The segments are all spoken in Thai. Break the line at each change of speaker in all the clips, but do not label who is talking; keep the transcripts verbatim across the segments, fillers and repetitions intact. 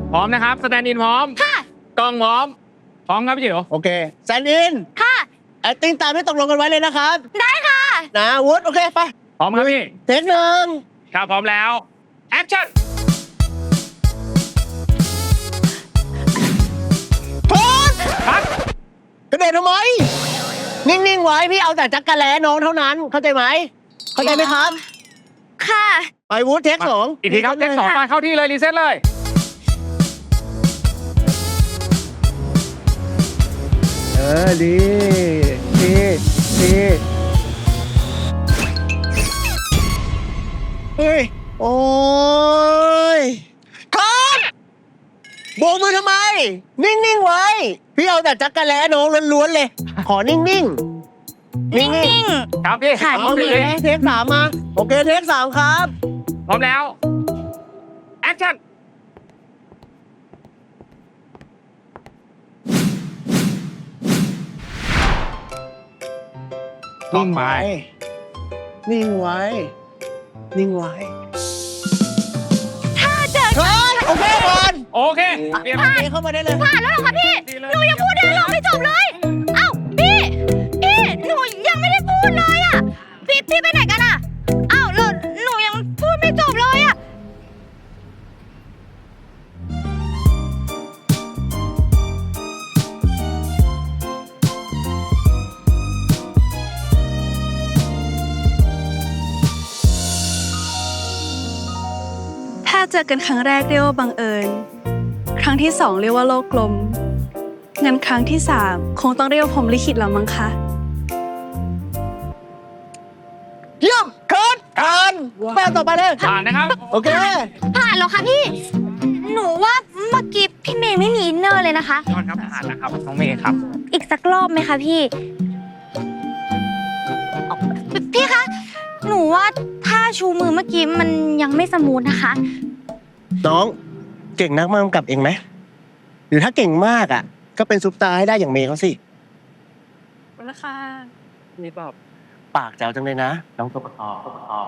พร้อมนะครับสแตนด์อินพร้อมค่ะกล้องพร้อมพร้อมครับพี่จิ๋ว
โอเคแซนอินค่ะแอคติ้งตามที่ตกลงกันไว้เลยนะครับได้ค่ะนะวุฒิโอเคไป
พร้อมครับพี่
เทคหนึ่ง
ครับพร้อมแล้วแอคชั่น
พร้อม
ครับ
กระเด็นทำไมนิ่งๆไว้พี่เอาแต่จักรแล้น้องเท่านั้นเข้าใจไหมเข้าใจไหมครับค่ะไปวุฒิเทคสอง
อีกทีครับเทคสองมาเข้าที่เลยรีเซ็ตเลย
เออดีดีดีเฮ้ยโอ้ยครับโบกมือทำไมนิ่งๆไว้พี่เอาแต่จักรแล้น้องล้วนๆเลยขอนิ่งๆนิ่ง
ๆครับพี่
ค่ะเอาเลยเทคสามมาโอเคเทคสามครับ
พร้อมแล้วแอคชั่น
นิ่งไว้นิ่งไว้นิ่งไว้
ถ้าเจอ
ครับโอเคก่อน
โอเค
เรียบเข้ามาได้เลย
ผ่านแล้วเหรอคะพี่หนูยังพูดได้หรอไม่จบเลยเอ้าพี่พี่หนูยังไม่ได้พูดเลยอ่ะพี่พี่ไปไหนกันอ่ะเอ้าแล้วหนูยังพูดไม่จบเลยอ่ะ
ถ้าเจอกันครั้งแรกเรียกว่าบังเอิญครั้งที่สองเรียกว่าโลกกลมงั้นครั้งที่สามคงต้องเรียกว่าพรหมลิขิตแล้วมั้งคะ
เยี่ยมเคิร์ดผ่านแป้งต่อไปเลย
ผ่านนะครับ
โอเค
ผ่านแล้วค่ะพี่หนูว่าเมื่อกี้พี่เมย์ไม่มีอินเนอร์เลยนะคะ
ยอดครับผ่านนะครับน้องเมย์ครับ
อีกสักรอบไหมคะพี่พี่คะหนูว่าท่าชูมือเมื่อกี้มันยังไม่สมูทนะคะ
น้องเก่งนักมากกับเองไหมหรือถ้าเก่งมากอ่ะก็เป็นซุปตาร์ให้ได้อย่างเมย์เขาสิ
ราคา
นี่บอกปากแจ๋วจังเลยนะน้องตบคอตบคอ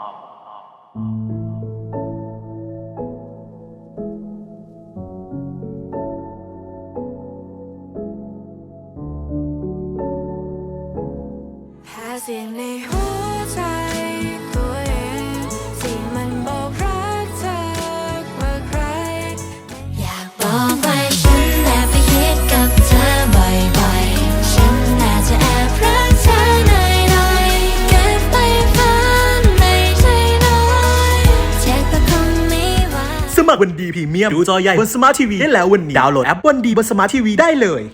แพ้เสียงในหัวใจตัวเองที่มันบอกรักเธอว่าใครอยากบอกไปฉันแอบไปคิดกับเธอบ่อยๆฉันน่าจะแอบรักเธอหน่อยๆเก็บไปฝันในใจน้อยเจ็บแต่คงไม่ไหว
สมัครวันดีพรีเมียมดูจอใหญ่บนสมาร์ททีวีได้แล้ววันนี้ดาวน์โหลดแอปวันดีบนสมาร์ททีวีได้เลย